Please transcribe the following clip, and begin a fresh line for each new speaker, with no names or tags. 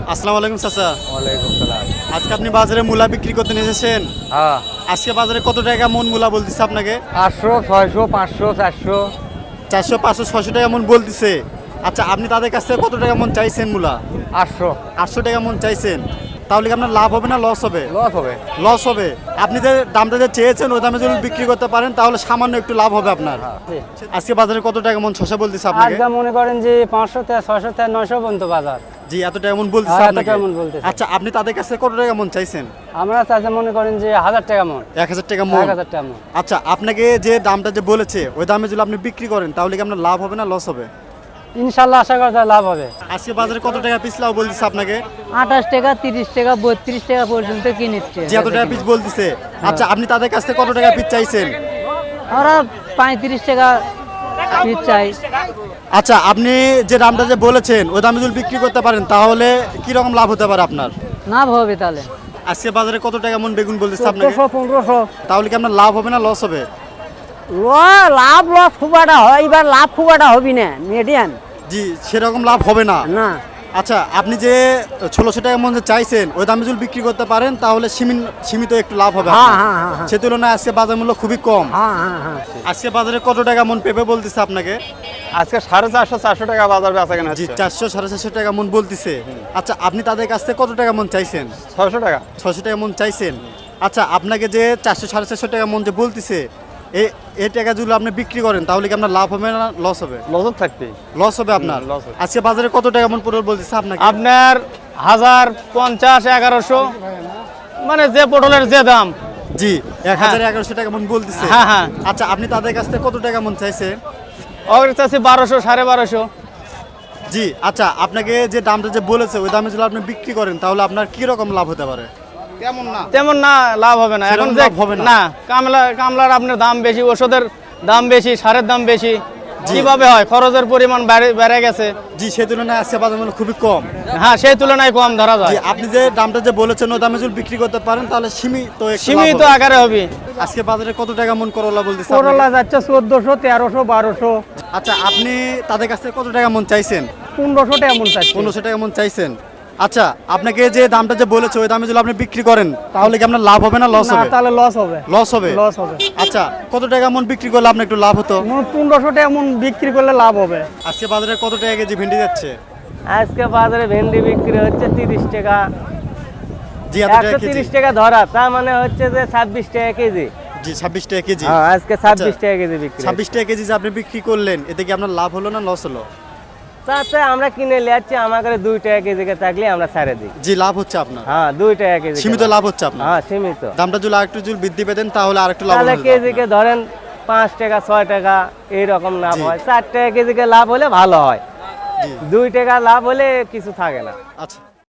আসসালামু আলাইকুম চাচা।
ওয়ালাইকুম সালাম।
আজকে আপনি বাজারে মূলা বিক্রি করতে নিয়ে এসেছেন।
হ্যাঁ,
আজকে বাজারে কত টাকা মন মূলা বলতেছে আপনাকে?
800, 600, 500, 400।
400, 500, 600 টাকা মন বলতেছে। আচ্ছা, আপনি তাদের কাছ থেকে কত টাকা মন চাইছেন মূলা?
800
800 টাকা মন চাইছেন। তাহলে কি আপনার লাভ হবে না লস হবে?
লস হবে।
লস হবে। আপনি যে দামটা যে চেয়েছেন ওই দামে যদি বিক্রি করতে পারেন তাহলে সামান্য একটু লাভ হবে আপনার। আজকে বাজারে কত টাকা মন শসা বলতেছে আপনাকে?
আজকে মনে করেন যে 500 থেকে 600 থেকে 900 পর্যন্ত বাজার।
জি, এত টাকা মন বলতেছে
হ্যাঁ, এত
আপনাকে।
টাকা মন বলতেছে।
আচ্ছা, আপনি তাদের কাছে কত টাকা মন চাইছেন?
আমরা চাষে মনে করেন যে 1000 টাকা মন।
1000 টাকা মন।
1000 টাকা মন।
আচ্ছা, আপনাকে যে দামটা যে বলেছে ওই দামে যদি আপনি বিক্রি করেন তাহলে কি আপনার লাভ হবে না লস হবে?
ইনশাআল্লাহ আশা করা যায় লাভ হবে।
আজকে বাজারে কত টাকা পিস লাউ বলতেছে আপনাকে?
28 টাকা, 30 টাকা, 32 টাকা পর্যন্ত কিনেছে।
যে এত টাকা পিস বলতেছে। আচ্ছা, আপনি তাদের কাছ থেকে কত টাকা পিস চাইছেন?
ওরা 35 টাকা পিস চাই।
আচ্ছা, আপনি যে দামটা যে বলেছেন ওই দামে যদি বিক্রি করতে পারেন তাহলে কি রকম লাভ হতে পারে আপনার?
লাভ হবে তাহলে।
আজকে বাজারে কত টাকা মন বেগুন বলতেছে আপনাকে?
1500।
তাহলে কি আপনার লাভ হবে না লস হবে?
লাভ লস খুব একটা হয়, এবার লাভ খুব একটা হবি না, মিডিয়াম
জি, সেরকম লাভ হবে না।
না।
আচ্ছা, আপনি যে 1600 টাকা মন যে চাইছেন ওই দামে যদি বিক্রি করতে পারেন তাহলে সীমিত একটু লাভ হবে
হ্যাঁ,
আপনার।
হ্যাঁ, হ্যাঁ, হ্যাঁ।
সে তুলনায় আজকে বাজার মূল্য খুবই কম।
হ্যাঁ, হ্যাঁ, হ্যাঁ।
আজকে বাজারে কত টাকা মন পেঁপে বলতেছে আপনাকে?
আজকে 450, 400 টাকা বাজার বেচা কেনা
জি,
হচ্ছে।
400, 450 টাকা মন বলতেছে। আচ্ছা, আপনি তাদের কাছ থেকে কত টাকা মন চাইছেন?
600 টাকা।
600 টাকা মন চাইছেন। আচ্ছা, আপনাকে যে 400, 450 টাকা মন যে বলতেছে এই টাকা যদি আপনি বিক্রি করেন তাহলে কি আপনার লাভ হবে না লস হবে?
লস থাকবে।
লস হবে আপনার।
loss হবে।
আজকে বাজারে কত টাকা মন পটল বলতেছে আপনাকে?
আপনার 1050, 1100, মানে যে পটলের যে দাম।
জি, 1000, 1100 টাকা মন বলতেছে।
হ্যাঁ, হ্যাঁ।
আচ্ছা, আপনি তাদের কাছ থেকে কত টাকা মন চাইছে?
ওর চাচ্ছি 1200, 1250।
জি, আচ্ছা, আপনাকে যে দামটা যে বলেছে ওই দামে যদি আপনি বিক্রি করেন তাহলে আপনার কি রকম লাভ হতে পারে?
তেমন না, লাভ হবে না। এখন
সেরকম
যে
লাভ হবে না।
না, কামলার আপনার দাম বেশি, ওষুধের দাম বেশি, সারের দাম বেশি। কিভাবে হয়? খরচের পরিমাণ বেড়ে গেছে।
জি, সে তুলনায় আজকে বাজার মূল্য খুবই কম।
হ্যাঁ, সেই তুলনায় কম ধরা যায়।
জি, আপনি যে দামটা যে বলেছেন ওই দামে যদি বিক্রি করতে পারেন তাহলে সীমিত একটু লাভ
সীমিত
হবে।
আকারে হবে।
আজকে বাজারে কত টাকা মন করলা বলতেছে
করলা
আপনাকে?
যাচ্ছে 1400, 1300, 1200,
আচ্ছা, আপনি তাদের কাছ থেকে কত টাকা মন চাইছেন?
1500 টাকা মন চাচ্ছি।
1500 টাকা মন চাইছেন। আচ্ছা, আপনাকে যে দামটা যে বলেছে ওই দামে যদি আপনি বিক্রি করেন তাহলে কি আপনার লাভ হবে না লস
না,
হবে?
তাহলে লস হবে।
লস হবে।
লস হবে।
আচ্ছা, কত টাকা মন বিক্রি করলে আপনার একটু লাভ হতো?
1500 টাকা মন বিক্রি করলে লাভ হবে।
আজকে বাজারে কত টাকা কেজি ভেন্ডি যাচ্ছে?
আজকে বাজারে ভেন্ডি বিক্রি হচ্ছে 30 টাকা।
জি, এত টাকা কেজি।
130 টাকা ধরা, তার মানে হচ্ছে যে 26 টাকা কেজি।
জি, 26 টাকা কেজি।
হ্যাঁ, আজকে 26 টাকা কেজি বিক্রি।
26 টাকা কেজি যে আপনি বিক্রি করলেন এতে কি আপনার লাভ হলো না লস হলো?
তাতে আমরা কিনে লিয়াচ্ছি, আমার কাছে 2 টাকা কেজি থাকলে আমরা ছেড়ে দিই।
জি, লাভ হচ্ছে আপনার।
হ্যাঁ, 2 টাকা কেজি।
সীমিত লাভ হচ্ছে আপনার।
হ্যাঁ, সীমিত।
দামটা যদি আরেকটু যদি বৃদ্ধি পেতেন তাহলে আরেকটু লাভ
তাহলে
হতো
কেজিকে
আপনার।
ধরেন 5 টাকা, 6 টাকা এইরকম লাভ
জি।
হয়। 4 টাকা কেজিকে লাভ হলে ভালো হয়।
জি।
2 টাকা লাভ হলে কিছু থাকে না।
আচ্ছা।